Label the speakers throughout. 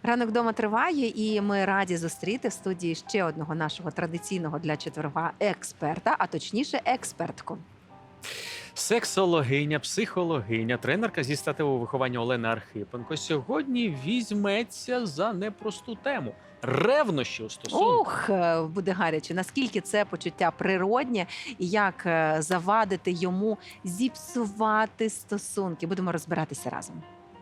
Speaker 1: Ранок вдома триває, і ми раді зустріти в студії ще одного нашого традиційного для четверга експерта, а точніше експертку.
Speaker 2: Сексологиня, психологиня, тренерка зі статевого виховання Олена Архипенко сьогодні візьметься за непросту тему – ревнощі у стосунках.
Speaker 1: Буде гаряче. Наскільки це почуття природнє і як завадити йому зіпсувати стосунки. Будемо розбиратися разом.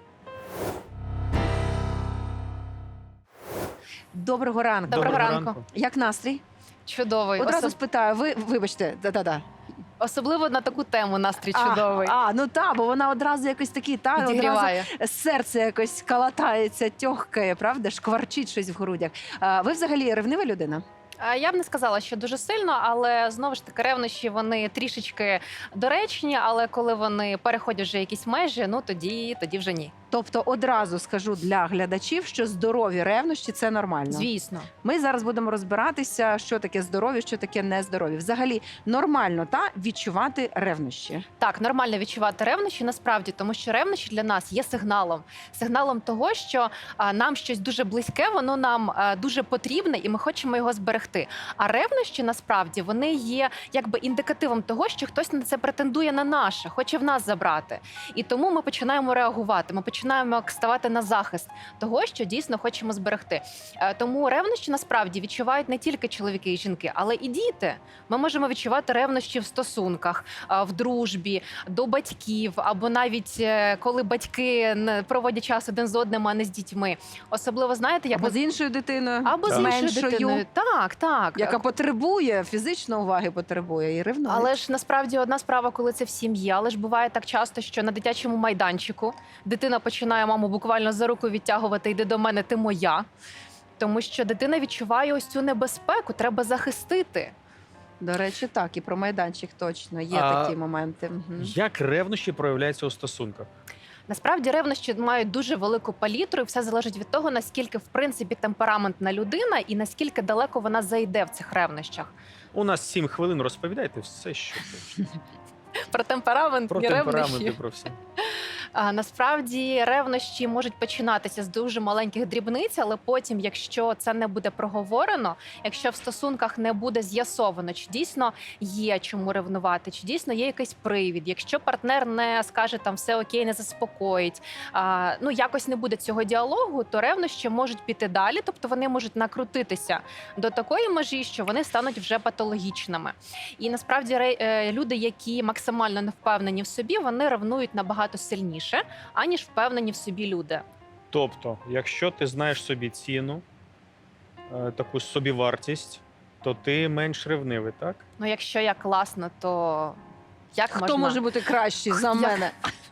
Speaker 1: Доброго ранку.
Speaker 3: Доброго ранку.
Speaker 1: Як настрій?
Speaker 3: Чудовий.
Speaker 1: Одразу спитаю, вибачте,
Speaker 3: Особливо на таку тему настрій чудовий.
Speaker 1: Ну так, бо вона одразу якось такий,
Speaker 3: Підігріває.
Speaker 1: одразу серце якось калатається, тьохкає, правда, шкварчить щось в грудях. Ви взагалі ревнива людина?
Speaker 3: Я б не сказала, що дуже сильно, але знову ж таки ревнощі вони трішечки доречні, але коли вони переходять вже якісь межі, ну тоді вже ні.
Speaker 1: Тобто одразу скажу для глядачів, що здорові ревнощі – це нормально.
Speaker 3: Звісно.
Speaker 1: Ми зараз будемо розбиратися, що таке здорові, що таке нездорові. Взагалі нормально відчувати ревнощі.
Speaker 3: Так, нормально відчувати ревнощі насправді, тому що ревнощі для нас є сигналом. Сигналом того, що нам щось дуже близьке, воно нам дуже потрібне і ми хочемо його зберегти. А ревнощі насправді вони є якби індикативом того, що хтось на це претендує на наше, хоче в нас забрати. І тому ми починаємо реагувати, ми починаємо ставати на захист того, що дійсно хочемо зберегти. Тому ревнощі насправді відчувають не тільки чоловіки і жінки, але і діти. Ми можемо відчувати ревнощі в стосунках, в дружбі, до батьків, або навіть коли батьки проводять час один з одним, а не з дітьми. Особливо, знаєте, як
Speaker 1: Або з іншою дитиною,
Speaker 3: або з іншою
Speaker 1: меншою,
Speaker 3: дитиною. Так.
Speaker 1: яка потребує, фізичної уваги потребує і ревнує.
Speaker 3: Але ж насправді одна справа, коли це в сім'ї, але ж буває так часто, що на дитячому майданчику дитина починає маму буквально за руку відтягувати: «Йди до мене, ти моя». Тому що дитина відчуває ось цю небезпеку, треба захистити.
Speaker 1: До речі, так, і про майданчик точно є такі моменти.
Speaker 2: Як ревнощі проявляються у стосунках?
Speaker 3: Насправді ревнощі мають дуже велику палітру, і все залежить від того, наскільки, в принципі, темпераментна людина і наскільки далеко вона зайде в цих ревнощах.
Speaker 2: У нас 7 хвилин, розповідайте все, що хочете.
Speaker 3: Про темперамент
Speaker 2: Про
Speaker 3: і
Speaker 2: темпераменти,
Speaker 3: ревнощі.
Speaker 2: про все.
Speaker 3: Насправді ревнощі можуть починатися з дуже маленьких дрібниць, але потім, якщо це не буде проговорено, якщо в стосунках не буде з'ясовано, чи дійсно є чому ревнувати, чи дійсно є якийсь привід, якщо партнер не скаже там все окей, не заспокоїть, якось не буде цього діалогу, то ревнощі можуть піти далі, тобто вони можуть накрутитися до такої межі, що вони стануть вже патологічними. І насправді люди, які максимально не впевнені в собі, вони ревнують набагато сильніше, аніж впевнені в собі люди.
Speaker 2: Тобто, якщо ти знаєш собі ціну, таку собівартість, то ти менш ревнивий, так?
Speaker 3: Ну, якщо я класна, то як
Speaker 1: Хто
Speaker 3: можна?
Speaker 1: може бути кращий за мене?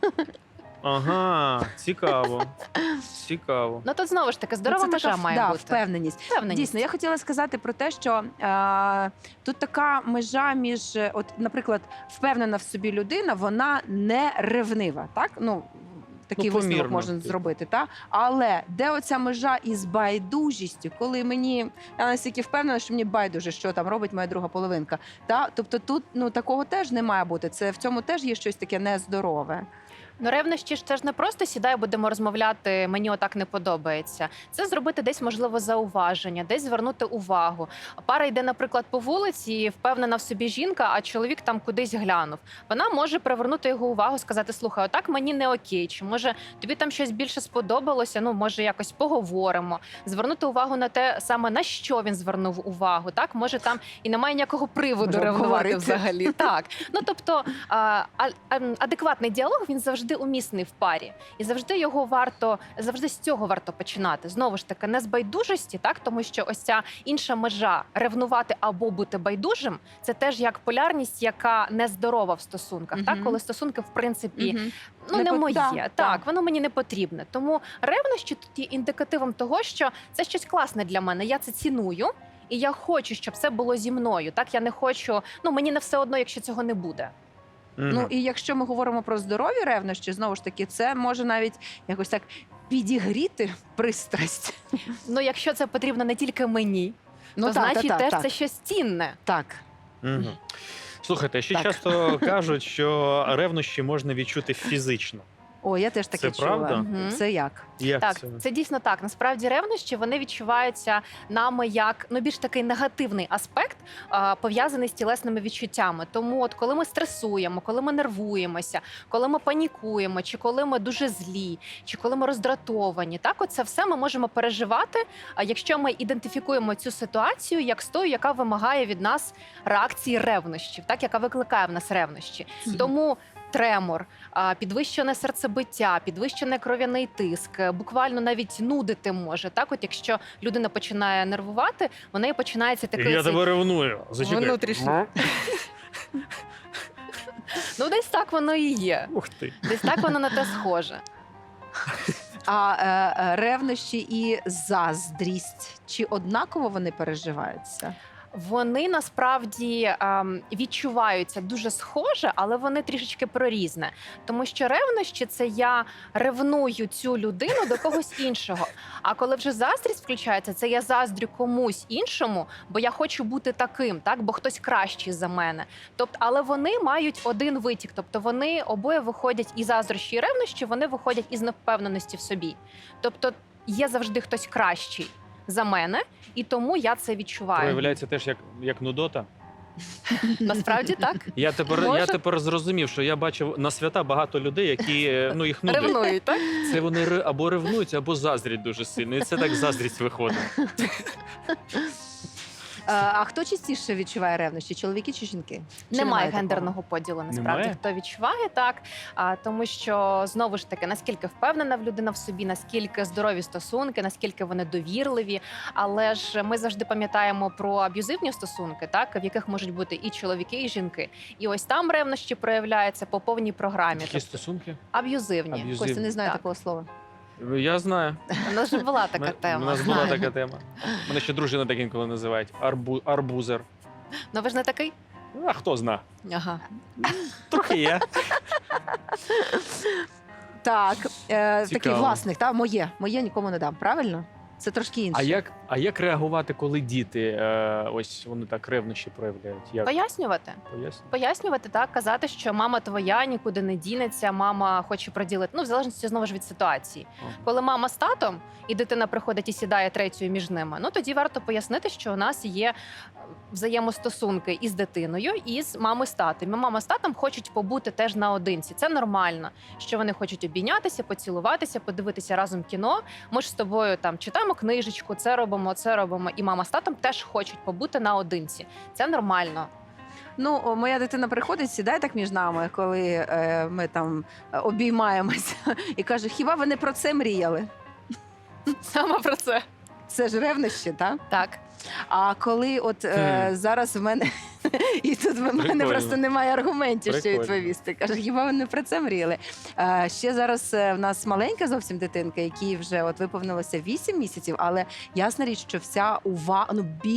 Speaker 2: Ага, цікаво. Цікаво.
Speaker 3: Ну, тут знову ж таки здорова межа має бути.
Speaker 1: Впевненість. Дійсно, я хотіла сказати про те, що тут така межа між, наприклад, впевнена в собі людина, вона не ревнива, так? Такий висновок
Speaker 2: помірно,
Speaker 1: можна зробити, так? Але де оця межа із байдужістю, коли я настільки впевнена, що мені байдуже, що там робить моя друга половинка. Тобто тут такого теж не має бути. В цьому теж є щось таке нездорове.
Speaker 3: Ну, ревнощі ж це ж не просто сідай, будемо розмовляти, мені отак не подобається. Це зробити десь, можливо, зауваження, десь звернути увагу. Пара йде, наприклад, по вулиці, впевнена в собі жінка, а чоловік там кудись глянув. Вона може привернути його увагу, сказати: слухай, отак мені не окей, чи може тобі там щось більше сподобалося, може якось поговоримо. Звернути увагу на те саме, на що він звернув увагу, так? Може там і немає ніякого приводу ревнувати взагалі. Так. Тобто адекватний діалог, він завжди умісний в парі. І завжди з цього варто починати. Знову ж таки, не з байдужості, так? Тому що ось ця інша межа ревнувати або бути байдужим, це теж як полярність, яка нездорова в стосунках. Так? Коли стосунки, в принципі, не мої. Так, воно мені не потрібне. Тому ревнощі тут є індикативом того, що це щось класне для мене, я це ціную, і я хочу, щоб це було зі мною. Так, я не хочу, мені не все одно, якщо цього не буде.
Speaker 1: І якщо ми говоримо про здорові ревнощі, знову ж таки, це може навіть якось так підігріти пристрасть.
Speaker 3: Якщо це потрібно не тільки мені, то значить теж це щось цінне.
Speaker 1: Так.
Speaker 2: Слухайте, ще часто кажуть, що ревнощі можна відчути фізично.
Speaker 1: О, я теж таке
Speaker 2: Це
Speaker 1: чула.
Speaker 2: правда?
Speaker 3: Мгм.
Speaker 1: Це як?
Speaker 2: Як
Speaker 3: Так,
Speaker 2: це?
Speaker 3: це дійсно так. Насправді ревнощі вони відчуваються нами як більш такий негативний аспект, пов'язаний з тілесними відчуттями. Тому, от коли ми стресуємо, коли ми нервуємося, коли ми панікуємо, чи коли ми дуже злі, чи коли ми роздратовані, так оце все ми можемо переживати. А якщо ми ідентифікуємо цю ситуацію як з тою, яка вимагає від нас реакції ревнощів, так яка викликає в нас ревнощі. Тому тремор, підвищене серцебиття, підвищений кров'яний тиск, буквально навіть нудити може. Так, от якщо людина починає нервувати, в неї починається такий
Speaker 2: Я
Speaker 3: цей-
Speaker 2: тебе ревную. Зачекай.
Speaker 3: Внутрішній. Ну, десь так воно і є.
Speaker 2: Ух ти.
Speaker 3: Десь так воно на те схоже.
Speaker 1: А ревнощі і заздрість, чи однаково вони переживаються?
Speaker 3: Вони насправді відчуваються дуже схоже, але вони трішечки прорізне. Тому що ревнощі – це я ревную цю людину до когось іншого. А коли вже заздрість включається, це я заздрю комусь іншому, бо я хочу бути таким, так, бо хтось кращий за мене. Тобто, але вони мають один витік. Тобто вони обоє виходять і заздрощі, і ревнощі, вони виходять із невпевненості в собі. Тобто є завжди хтось кращий за мене, і тому я це відчуваю.
Speaker 2: Проявляється теж як нудота.
Speaker 3: Насправді так.
Speaker 2: Я
Speaker 3: Може?
Speaker 2: тепер зрозумів, що я бачив на свята багато людей, які їх нудить.
Speaker 3: Ревнують, так?
Speaker 2: Це вони або ревнують, або заздрять дуже сильно. І це так заздрість виходить.
Speaker 1: А хто частіше відчуває ревнощі? Чоловіки чи жінки? Чи
Speaker 3: Немає
Speaker 1: такого?
Speaker 3: гендерного поділу, насправді,
Speaker 2: Немає?
Speaker 3: хто відчуває так. Тому що, знову ж таки, наскільки впевнена людина в собі, наскільки здорові стосунки, наскільки вони довірливі. Але ж ми завжди пам'ятаємо про аб'юзивні стосунки, так, в яких можуть бути і чоловіки, і жінки. І ось там ревнощі проявляються по повній програмі.
Speaker 2: Які
Speaker 3: Тобто,
Speaker 2: стосунки?
Speaker 3: аб'юзивні.
Speaker 2: Аб'юзивні.
Speaker 1: Костя, не знаю
Speaker 3: Так.
Speaker 1: такого слова.
Speaker 2: Я знаю.
Speaker 3: У нас вже була така
Speaker 2: У
Speaker 3: тема.
Speaker 2: нас була
Speaker 3: знаю.
Speaker 2: така тема. Мене ще дружина так інколи називають. Арбузер.
Speaker 3: Ну ви ж не такий?
Speaker 2: А хто зна?
Speaker 3: Ага.
Speaker 2: Трохи є.
Speaker 1: Так, такий
Speaker 2: Цікаво.
Speaker 1: власник, та моє нікому не дам. Правильно? Це трошки інше.
Speaker 2: А як реагувати, коли діти ось вони так ревнощі проявляють? Як
Speaker 3: Пояснювати.
Speaker 2: поясню?
Speaker 3: Пояснювати, так, казати, що мама твоя нікуди не дінеться, мама хоче приділити. Ну, в залежності знову ж від ситуації. Коли мама з татом і дитина приходить і сідає третьою між ними, ну тоді варто пояснити, що у нас є взаємостосунки із дитиною, і з мамою з татом. І мама з татом хочуть побути теж наодинці. Це нормально, що вони хочуть обійнятися, поцілуватися, подивитися разом кіно. Ми ж з тобою там читаємо книжечку, це робимо, і мама з татом теж хочуть побути наодинці. Це нормально.
Speaker 1: Ну, моя дитина приходить, сідає так між нами, коли ми там обіймаємося, і каже: хіба ви не про це мріяли?
Speaker 3: Саме про це.
Speaker 1: Це ж ревнощі, так?
Speaker 3: Так.
Speaker 1: А коли от зараз в мене і тут в мене
Speaker 2: Прикольно.
Speaker 1: просто немає аргументів, що
Speaker 2: Прикольно.
Speaker 1: відповісти. Каже, хіба ви не про це мріяли? Ще зараз в нас маленька зовсім дитинка, якій вже от виповнилося 8 місяців, але ясна річ, що вся увага,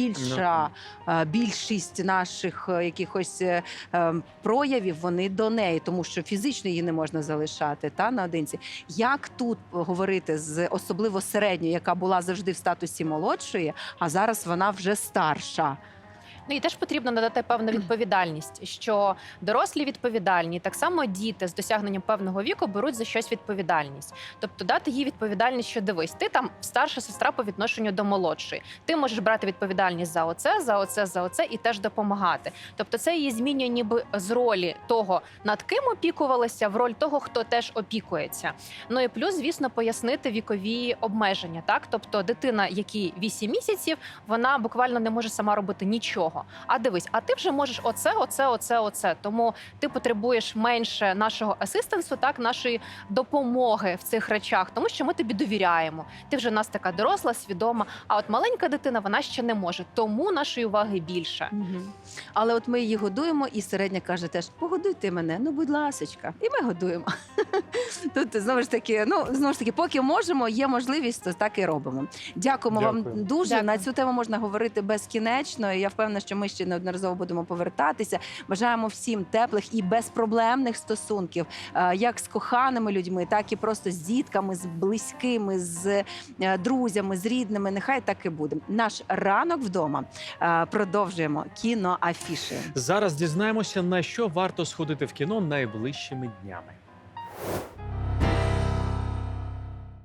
Speaker 1: більшість наших якихось проявів, вони до неї, тому що фізично її не можна залишати наодинці. Як тут говорити з особливо середньою, яка була завжди в статусі молодшої, а зараз вона вже старша?
Speaker 3: Ну і теж потрібно надати певну відповідальність, що дорослі відповідальні, так само діти з досягненням певного віку беруть за щось відповідальність. Тобто дати їй відповідальність, що дивись, ти там старша сестра по відношенню до молодшої. Ти можеш брати відповідальність за оце і теж допомагати. Тобто це її змінює ніби з ролі того, над ким опікувалася, в роль того, хто теж опікується. Ну і плюс, звісно, пояснити вікові обмеження. Так, тобто дитина, якій 8 місяців, вона буквально не може сама робити нічого. А дивись, а ти вже можеш оце. Тому ти потребуєш менше нашого асистенсу, так, нашої допомоги в цих речах, тому що ми тобі довіряємо. Ти вже в нас така доросла, свідома. А от маленька дитина, вона ще не може. Тому нашої уваги більше.
Speaker 1: Але от ми її годуємо, і середня каже теж: погодуйте мене, ну будь ласочка. І ми годуємо. Тут знову ж таки, поки можемо, є можливість, то так і робимо. Дякуємо вам
Speaker 2: Дякую.
Speaker 1: дуже.
Speaker 3: Дякую.
Speaker 1: На цю тему можна говорити безкінечно. І я впевнена, що ми ще неодноразово будемо повертатися. Бажаємо всім теплих і безпроблемних стосунків, як з коханими людьми, так і просто з дітками, з близькими, з друзями, з рідними. Нехай так і буде. Наш ранок вдома. Продовжуємо кіноафіші.
Speaker 2: Зараз дізнаємося, на що варто сходити в кіно найближчими днями.